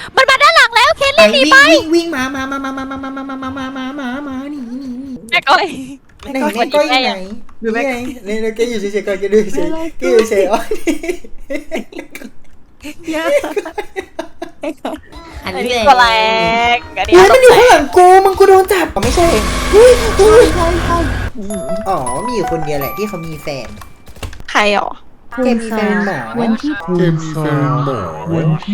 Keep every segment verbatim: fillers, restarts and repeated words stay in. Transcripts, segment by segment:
มันมาด้านหลังแล้วเคนไปรีบหนีวิ่งไปวิ่งวิ่งมามามามามามามามามามามามามาหนีหนีหนีแม่ก้อยไหนแม่ก้อยอยู่ไหนนี่ไงนี่แกอยู่เฉยๆก่อนแกดูเฉยๆแกอยู่เฉยๆอ๋ออันอันนี้นี้แหละก็แรงอันนี้เฮ้ยต้มัอน งอยู่แรข้างหงลังกูมึงกูโดนจับไม่ใช่เฮ้ยเฮ้ยอ๋อมีอยู่คนเดียวแหละที่เขามีแฟนใครหรอแกมีแฟนหมอวันที่เกมมีแฟนหมอวันที่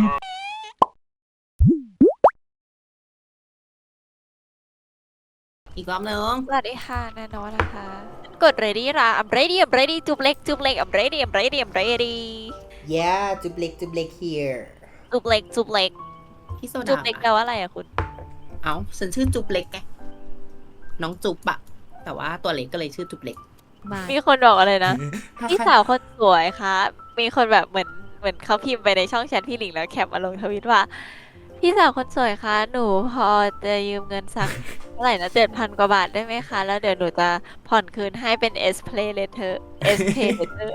อีกรอบนึงสวัสดีค่ะแน่นอนนะคะ กด ready ละ I'm ready I'm ready จุบเล็กจุบเล็ก I'm ready I'm ready I'm ready yeah จุบเล็กจุบเล็ก here จุบเล็กจุบเล็กพี่โซจุดาบเล็กแปลว่าอะไรอะคุณเอ้าฉันชื่อจุบเล็กไงน้องจุบอะแต่ว่าตัวเล็กก็เลยชื่อจุบเล็กมีคนบอกอะไรนะ พี่สาวคนสวยคะมีคนแบบเหมือนเหมือนเขาพิมพ์ไปในช่องแชทพี่หลิงแล้วแคปมาลงทวิตว่า พี่สาวคนสวยคะหนูพอจะยืมเงินสักเท่าไหร่นะเจ็ดพันกว่าบาทได้ไหมคะ แล้วเดี๋ยวหนูจะผ่อนคืนให้เป็น S Play Later S Pay Later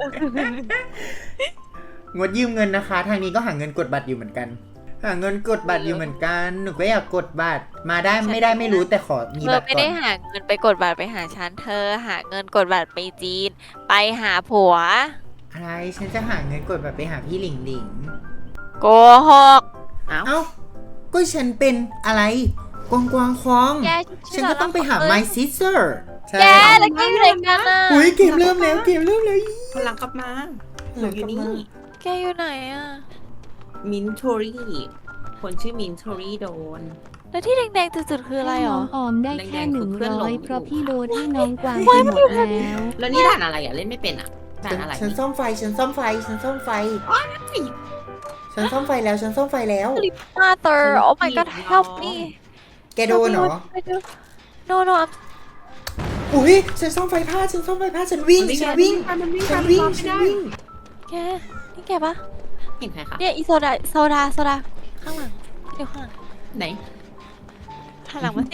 งดยืมเงินนะคะ ทางนี้ก็หาเงินกดบัตรอยู่เหมือนกัน หาเงินกดบัตรอยู่เหมือนกันหนูก็อยากกดบัตรมาได้ไม่ได้ไม่รู้แต่ขอมีเธบัอตรไม่ก่อได้นหาเงินไปกดบัตรไปหาฉันเธอหาเงินกดบัตรไปจีน ไปหาผัวอะไรฉันจะหาเงินกดบัตรไปหาพี่หลิงหลิงโกหกเอ้าเอ้าก็ฉันเป็นอะไรกวางกวางควองแกฉันก็ต้องไปหา my sister ใช่แกแล้วแกอยู่ไหนกันอ่ะอุ้ยเกมเริ่มแล้วเกมเริ่มแล้วพลังกลับมาหนูอยู่นี่แกอยู่ไหนอ่ะมินทอรี่คนชื่อมินทอรี่โดนแล้วที่แดงๆจุดๆคืออะไรหรน้อองออมได้แค่หนึ่งเพื่อนหลร้อง ยอยู่เพราะพี่โดนให้น้องกวางไปหมดแล้วแล้วนี่ด่านอะไรอะเล่นไม่เป็นอะด่านอะไรฉันซ่อมไฟฉันซ่อมไฟฉันซ่อมไฟฉันซ่อมไฟแล้วฉันซ่อมไฟแล้ว Mother oh my god help me แกโดนเหรอ no no I'm อุ้ยฉันซ่อมไฟพลาดฉันซ่อมไฟพลาดฉันวิ่งฉันวิ่งมันวิ่งฉัตาน มวิ่งไม่ฉันได้วิ่งแกนี่แกปะเห็นใครคะเนี่ยอีโซดาโซดาโซดาข้างหลังเดี๋ยวข้างหลังไหนข้างหลังมาสิ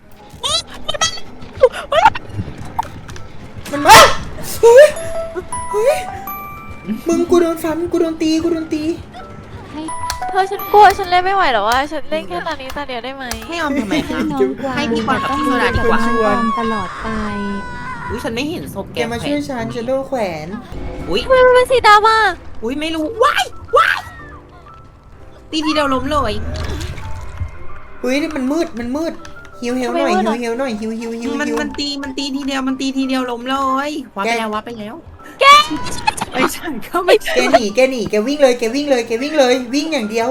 มันมาเฮ้ยเฮ้ยมึงกูโดนฟันกูโดนตีกูโดนตีเธอฉันกลัวฉันเล่นไม่ไหวหรอวะฉันเล่นแค่ตอนนี้ตอนเดียวได้ไหมให้ออมทำไมให้คะน้องกวางให้พี่บอลกับพี่โซดาดีกับกว่าน้องออมตลอดไปอุ้ยฉันไม่เห็นศพแกแกมาช่วยฉันฉันโดนแขวนอุ้ยทำไมมันเป็นสีดำอ่ะอุ้ยไม่รู้ว้ายว้ายตีทีเดียวล้มเลยเฮ้ยมันมืดมันมืดฮิวเฮลหน่อยฮิวเฮลหน่อยฮิวฮิวฮิวมันฮิวมันตีมันตีทีเดียวมันตีทีเดียวล้มเลยวับไปแล้ววับไปแล้วแกไม่ใช่ก็ไม่แกหนีแกหนีแกวิ่งเลยแกวิ่งเลยแกวิ่งเลยวิ่งอย่างเดียว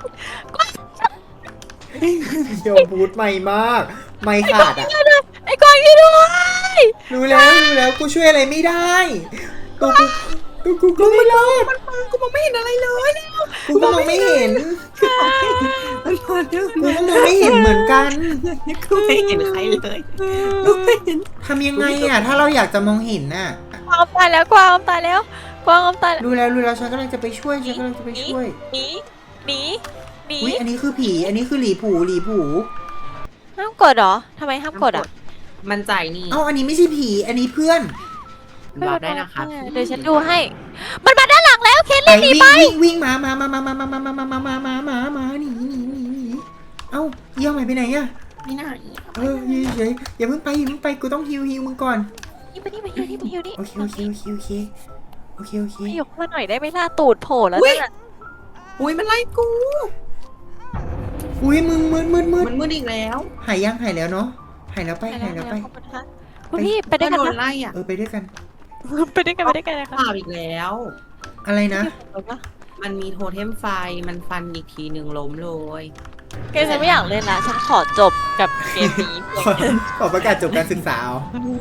โยมพูดใหม่มากไม่ขาดอ่ะไอ้กวางช่วยด้วยรู้แล้วรู้แล้วกูช่วยอะไรไม่ได้ตัวกูตัวกูก็ไม่รอดมันกูมองไม่เห็นอะไรเลยกูก็มองไม่เห็นมันมาเรื่องกูก็มองไม่เห็นเหมือนกันกูไม่เห็นใครเลยกูไม่เห็นทำยังไงอ่ะถ้าเราอยากจะมองเห็นน่ะกวางตายแล้วกวางตายแล้วกวางตายแล้วรู้แล้วรู้แล้วฉันกำลังจะไปช่วยฉันกำลังจะไปช่วยหนีหนีหนีอุ้ยอันนี้คือผีอันนี้คือหลีผูหลีผูห้ามกดเหรอทำไมห้ามกดอ่ะมันใจนี่เอ้าอันนี้ไม่ใช่ผีอันนี้เพื่อนวับได้นะคะเดี๋ยวฉันดูให้ มันมาด้านหลังแล้วเคนไปรีบหนีวิ่งไปวิ่งวิ่งมามามามามามามามามามามามามาหนีหนีหนีหนีเอ้าเยี่ยมไปไหนอ่ะนี่น่าเออยืนเฉยอย่าเพิ่งไปอย่าเพิ่งไปกูต้องฮิวฮิวมึงก่อนนี่มานี่มาฮิวนี่มาฮิวนี่โอเคโอเคโอเคโอเคโอเคโอเคยกมาหน่อยได้ไหมล่ะตูดโผล่แล้วนั่นน่ะอุ้ยมันไล่กูอุ้ยมึงมืดมืดมืดมันมืดอีกแล้วหายยังหายแล้วเนาะหายแล้วไปหายแล้วไปขอบคุณค่ะคุณพี่ไปด้วยกันโดนนะไล่อ่ะเออไปด้วยกันไปด้วยกันไปด้วยกันนะคะเปล่าอีกแล้วอะไรนะมันมีโทเทมไฟมันฟันอีกทีหนึ่งล้มเลยเกมฉันไม่อยากเล่นละฉันขอจบกับเกมนี้ขอขอประกาศจบการศึกษาเอา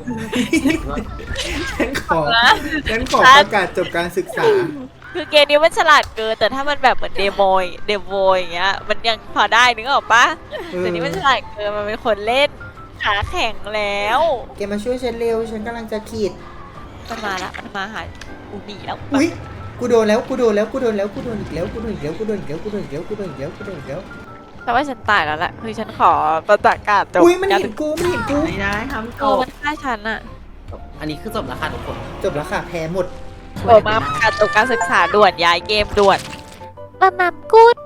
ฉันขอฉันขอประกาศจบการศึกษาคือเกมนี้มันฉลาดเกินแต่ถ้ามันแบบเหมือนเดโมยเดโมยอย่างเงี้ยมันยังพอได้นึกออกปะเออแต่นี้มันฉลาดเกินมันเป็นคนเล่นขาแข็งแล้วแกมาช่วยฉันเร็วฉันกำลังจะขีดมันมาละมันมาหาอูดีแล้วอุ้ยกูโดนแล้วกูโดนแล้วกูโดนแล้วกูโดนอีกแล้วกูโดนอีกแล้วกูโดนอีกแล้วกูโดนอีกแล้วกูโดนอีกแล้วกูโดนอีกแล้วแต่ว่าฉันตายแล้วแหละคือฉันขอประกาศจบอุ้ยมันเห็นกูมันเห็นกูไม่ได้ทำจโอ้บมันฆ่าฉันอะอันนี้คือจบแล้วค่ะทุกคนจบแล้วค่ะแพ้หมดโอ้มาประกาศจบการศึกษาด่วนย้ายเกมด่วนตะนำกุด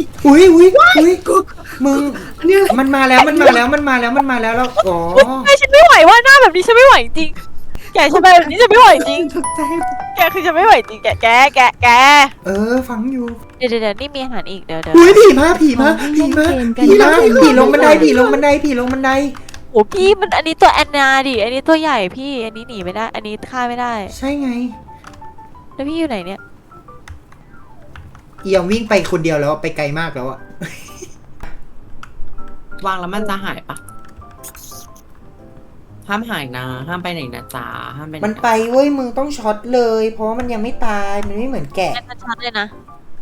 อุ้ยอุ้ยอุ้ยมึงเนี่ยมันมาแล้วมันมาแล้วมันมาแล้วมันมาแล้วแล้วอ๋อไอ้ฉันไม่ไหวว่าหน้าแบบนี้ฉันไม่ไหวจริงแกฉันแบบนี้ฉันไม่ไหวจริงตกใจแกคือฉันไม่ไหวจริงแกแกแกแกเออฟังอยู่เดี๋ยวเดี๋ยวนี่มีอาหารอีกเดี๋ยวเดี๋ยวอุ้ยผีมาผีมาผีมาผีมาผีลงบันไดผีลงบันไดผีลงบันไดโอ้พี่มันอันนี้ตัวแอนนาดิอันนี้ตัวใหญ่พี่อันนี้หนีไม่ได้ อันนี้ฆ่าไม่ได้ใช่ไงแล้วพี่อยู่ไหนเนี่ยเอียมวิ่งไปคนเดียวแล้วไปไกลมากแล้วอะวางแล้วมันจะหายปะห้ามหายนะห้ามไปไหนนะจ๊ะห้ามไปไหมันไปเว้ยมึงต้องช็อตเลย เพราะว่ามันยังไม่ตายมันไม่เหมือนแกะแอนนาชัดเลยนะ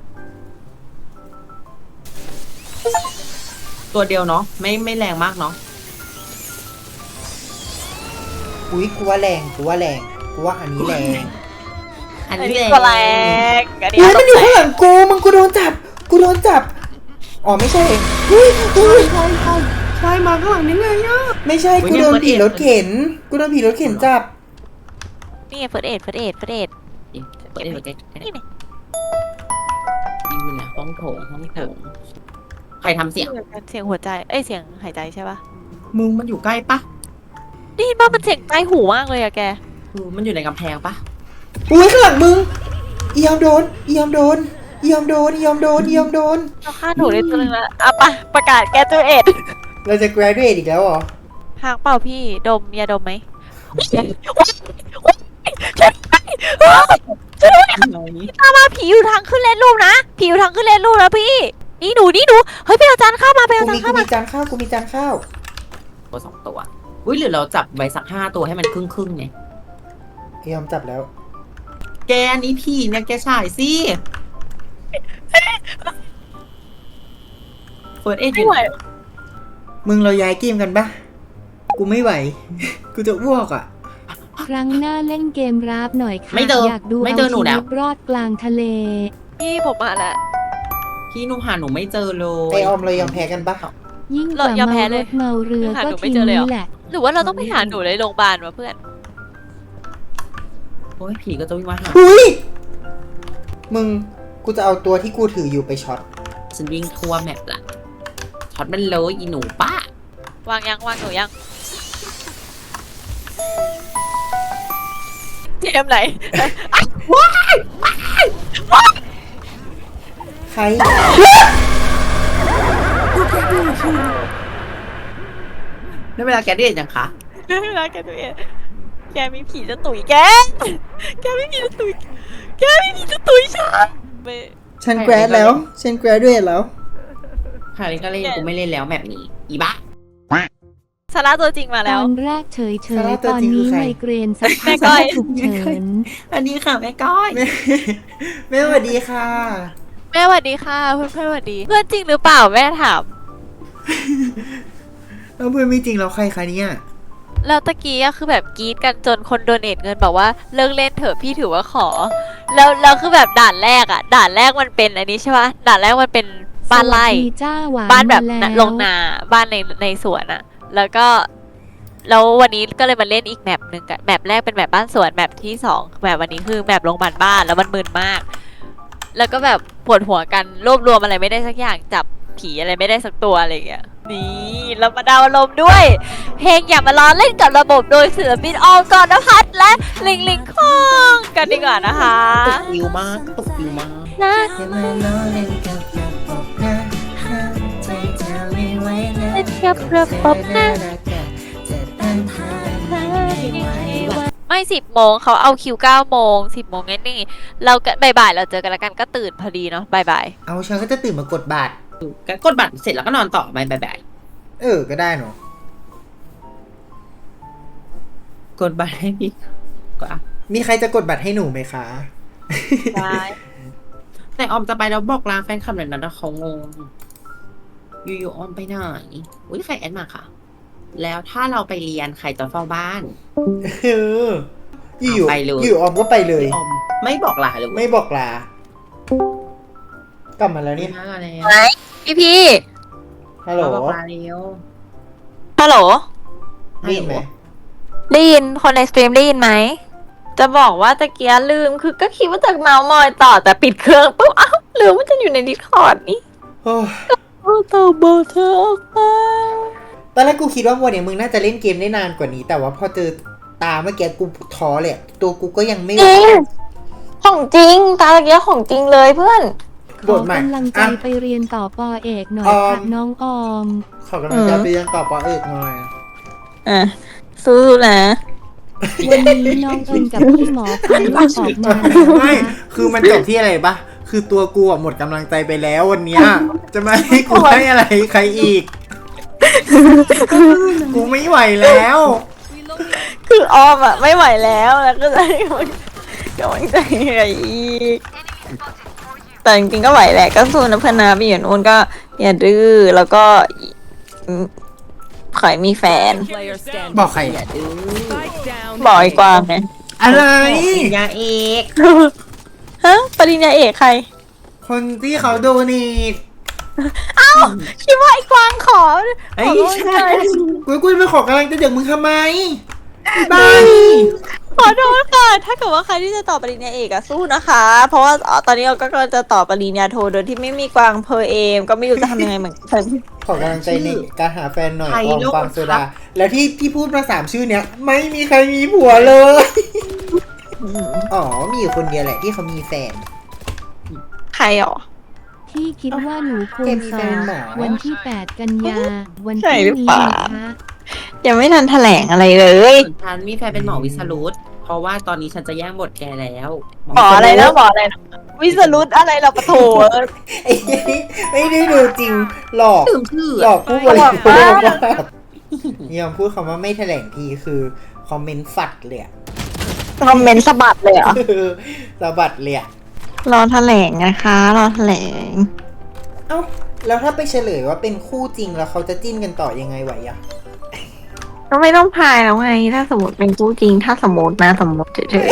ตัวเดียวเนาะไม่ไม่แรงมากเนาะอุ้ยกูว่าแรงกูว่าแรงกูว่าอันนี้แรงอันอันนี้นี้แรงตัวแรงอันนี้อุ้ยตัมัวนอยู่แรข้างหงลังกูมึงกูโดนจับกูโดนจับอ๋อไม่ใช่อุ้ยอุ้ยใช่มาข้างหลังนี่ไงอ่ะไม่ใช่อุ๊ยกูโดนเนี่ยผีรถเข็นกูโดนผีรถเข็นจับนี่เฟิร์สเอ็ดเฟิร์สเอ็ดเฟิร์สเอ็ดเปิดได้เปิดได้นี่ไงอยู่นะห้องโถงห้องโถงใครทำเสียงเสียงหัวใจเอ้ยเสียงหายใจใช่ปะมึงมันอยู่ใกล้ปะได้ยินป่ะมันเสียงใกล้หูมากเลยอะแกคือมันอยู่ในกำแพงปะอุ้ยข้างหลังมึงเอียมโดนเอียมโดนเอียมโดนเอียมโดนเอียมโดนเราฆ่าหนูได้ตัวนึงแล้วอ่ะไปประกาศแกตัวเอ็ดเราจะ graduate อีกแล้วเหรอหางเปล่าพี่ดมยาดมไหม ตามมาผีอยู่ทางขึ้นเลนรูปนะผีอยู่ทางขึ้นเลนรูปนะพี่นี่หนูนี่หนูเฮ้ยไปเอาจานข้าวมาไปกูเอาจามีนกูข้าวมีมาจานข้าวกูมีจานข้าวตัวสองตัวอุ้ยหรือเราจับไว้สักห้าตัวให้มันครึ่งครึ่งๆไงเอียมจับแล้วแกอันนี้ผีเนี่ยแกฉายสิเฟิร์สเอ็ดอไม่ยู่ไหวมึงเราย้ายเกมกันปะกูไม่ไหว กูจะอ้วกอ่ะครั้งหน้าเล่นเกมราฟหน่อยค่ะไม่เจออยากดูไม่เอาเจอหนูชีแล้วิวตรอดกลางทะเลพี่ผมมาแล้วพี่หนูหาหนูไม่เจอเลไอย ออมเรายอมแพ้กันปะยิ่งกเราว่ายอมแพ้เมารเลยถเมาเรือหาหก็นูไม่ทีเจอเลยเหรอนี้แหละหรือว่าเราต้องไปหาหนูในโรงพยาบาลวะเพื่อนโอ้ยผีก็จะวิ่งมาหาอุ้ยมึงกูจะเอาตัวที่กูถืออยู่ไปช็อตฉันวิ่งทั่วแมปละช็อตมันเลยอีหนูป้าวางยังวางหนูยังเจมส์ไหนใครได้เวลาแกได้เห็นยังคะไม่รักแกตัวเองแกมีผีจะตุ๋ยแกแกไม่มีจะตุ๋ยแกไม่มีจะตุ๋ยฉันไม่ฉันแกรดแล้ว ฉันแกรดด้วยแล้วคราวนี้ก็เล่นกูไม่เล่นแล้วแมปนี้อีบ้าสาระตัวจริงมาตแล้วอนแรกเฉยสาระๆตัตวอนจริงคือนี้ใครไมเกรนสักแม่พักก้อยฉุกเฉินอันนี้ค่ะแม่ก้อยแม่แม่สวัสดีค่ะแม่สวัสดีค่ะเพื่อนเพื่อนสวัสดี เพื่อนจริงหรือเปล่าแม่ถามแล้วเพื่อนไม่จริงแล้วใครคะเนี่ยแล้วตะกี้อะคือแบบกรี๊ดกันจนคนโดเนทเงินบอกว่าเลิกเล่นเถอะพี่ถือว่าขอ แล้วแล้วคือแบบด่านแรกอะด่านแรกมันเป็นอันนี้ใช่ปะด่านแรกมันเป็นบ้านไร่สวัสดีจ้าหวานบ้านแบบมน่ะล้วลงนาบ้านในในสวนอะแล้วก็แล้ววันนี้ก็เลยมาเล่นอีกแมปหนึ่งกันแมปแรกเป็นแมปบ้านสวนแมปที่สองแมปวันนี้คือแมปโรงพยาบาลบ้านแล้วมันมึนมาก แล้วก็แบบปวดหัวกันรวบรวมอะไรไม่ได้สักอย่างจับผีอะไรไม่ได้สักตัวอะไรอย่างเงี้ยนี่เรามาดาวน์อารมณ์ด้วย เพลงอย่ามาล้อเล่นกับระบบโดยศิลปินออมกรณพัฒน์และลิงลิงคองกันดีกว่านะคะตกฟิวมากตกฟิวมากนะอย่ามาล้อเล่นกับระบบนะห้ามใจเธอไม่ไหวนะเล่นกับระบบนะจะต้านทานไม่ไหวไม่สิบโมงเขาเอาคิวเก้าโมงสิบโมงงั้นนี่เราก็บ่ายๆเราเจอกันแล้วกันก็ตื่นพอดีเนาะบ่ายเอาฉันก็จะตื่นมากดบัตรก็กดบัตรเสร็จแล้วก็นอนต่อไปบ่ายเออ ก็ได้เนาะๆกดบัตรให้พี่ก็อ่ะมีใครจะกดบัตรให้หนูไหมคะๆบายแต่ออมจะไปแล้วบอกลาแฟนคลับหน่อยนะนะเขางงอยู่ๆออมไปไหนอุ้ยใครแอดมาค่ะ แล้วถ้าเราไปเรียนใครจะเฝ้าบ้านเอออยู่ไปเลยอยู่ออมก็ไปเลยออมไม่บอกลาเลยไม่บอกลา กลับมาแล้วเนี่ยมาแล้วพี่พี่ฮัลโหลมาบอกลาเร็วฮัลโหลได้ยินไหมได้ยินคนในสตรีมได้ยินไหมจะบอกว่าตะเกียลืมคือก็คิดว่าจะเมาส์มอยต่อแต่ปิดเครื่องปุ๊บอ้าวลืมว่าจะอยู่ในดิสคอร์ดนี่โอ้ยเอาตัวโบเธอออกไปตอนแรกกูคิดว่าวันนี้มึงน่าจะเล่นเกมได้นานกว่านี้ แต่ว่าพอเจอตาเมื่อกี้กูท้อเลยอะตัวกูก็ยังไม่จริงของจริงตาตะเกียของจริงเลยเพื่อนขบอทใหม่กำลังใจอ่ะไปเรียนต่อปอเอกหน่อยออมค่ะน้องออมขอกำลังใจไปยังต่อปอเอกหน่อยอ่ะสู้นะวันนี้น้องเอิญกับพี่หมอพาลูกออกมาแล้วไม่นะคือมันจบที่อะไรปะคือตัวกูอะหมดกำลังใจไปแล้ววันเนี้ย จะมาให้กูให้อะไรใครอีก กูไม่ไหวแล้วคือออมอ่ะไม่ไหวแล้วแล้วก็จะให้กำลังกำลังใจอะไรอีกแต่จริงๆก็ไหวแหละก็สู้นะเพื่อนนะไปอยู่นู้นก็อย่าดื้อแล้วก็อืมขอให้มีแฟน Player standing. บอกใคร Spike down. บอกไอ้กวางไงอะไรปริญญาเอกฮะปริญญาเอกใครคนที่เขาโดนีทคิดว่าไอ้กวางขอไอ้ขอใช่กูกูจะไปขอกำลังใจจากมึงทำไมบ้าขอโทษค่ะ ถ้าเกิดว่าใครที่จะต่อปริญญาเอกอะสู้นะคะ เพราะว่าอ๋อตอนนี้เราก็กำลังจะต่อปริญญาโทโดยที่ไม่มีกวางเพอเอมก็ไม่รู้จะทำยังไงเหมือนกันขอกำลังใจในการหาแฟนหน่อยออมฟางโซดา แล้วที่ที่พูดมาสามชื่อเนี้ย ไม่มีใครมีผัวเลย อ๋อ มีอยู่คนเดียวแหละที่เขามีแฟนใครหรอพี่คิดว่าหนูควรแกมีสแฟอน บเหรอวันที่แปดกันยา วันใช่ที่หรือนี้เปล่านะคะยังไม่ทันแถลงอะไรเลยส่วนฉันมีแฟนเป็นหมอวิสรุตเพราะว่าตอนนี้ฉันจะแย่งบทแกแล้วหมออะไรนะหมออะไรนะวิสรุตอะไรเราปะโถไอ้นี่ไม่ได้ดูจริง หลอกลืมชื่อหลอกผู้บริโภคหลอกว่ามากยอมพูดคำว่าไม่แถลงทีคือคอมเมนต์ฝัดเลยอะคอมเมนต์สะบัดเลยเหรอสะบัดเลยอะรอแถลงนะคะ รอแถลงเอ้า แล้วถ้าไปเฉลยว่าเป็นคู่จริงแล้วเขาจะจิ้นกันต่อยังไงไหวอะก็ไม่ต้องพายแล้วไง ถ้าสมมติเป็นคู่จริง ถ้าสมมตินะสมมติเฉย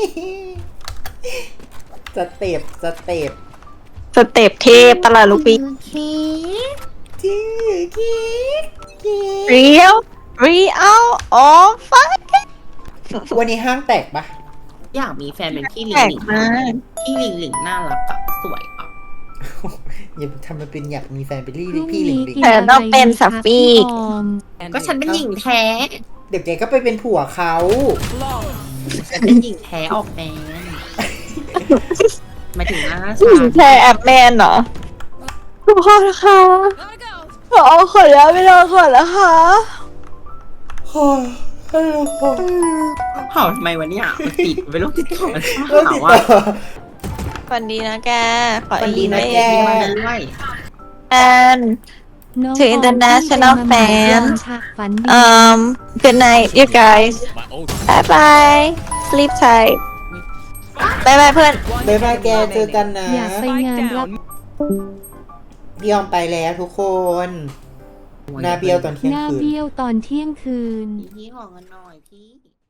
สเต็ปสเต็ปๆสเต็ปเทพตลาดลูกปีจื้อคิกคิกเรียวเรียวอ๋อฟักวันนี้ห้างแตกปะอยากมีแฟนเป็นพี่หลิแปลงกหลิงมากพี่หลิงหลิงน่ารักกับสวยอ่ะอย่าทำมันเป็นอยากมีแฟนเป็นลี่พรุ่งพี่หลิงนี้หลิงกินแต่อะไรต้องเป็นดีคะสัฟฟี่พี่ออมก็ฉันเป็นหญิงแท้เดี๋ยวแกก็ไปเป็นผัวเขา Long. ฉันเป็นหญิงแท้ออกแมนหมายถึงหน้าผู้หญิงฉันแชร์แอปแมนเหรอคุณพ่อนะคะขอขอแล้วไม่รอก่อนนะคะโอ้ยให้เราพอเห่าทำไมวะเนี่ยมันติดไปโรคติดต่อเริ่มติดว่าต่อฝันดีนะแก ขอฝันดีอีนะเมแกลมาด้วยแอนน้อง To ออม international ที่เป็นมาม่า fans ค่ะฝันดี um good night you guys bye bye sleep tight บายบายเพื่อนบ๊ายบายแกเจอกันนะอยากไปงานรับพี่ยอมไปแล้วทุกคนหนาเบี้ยวตอนเที่ยงหน้าคืนเบี้ยวตอนเที่ยงคืนพี่ขอเงินหน่อยพี่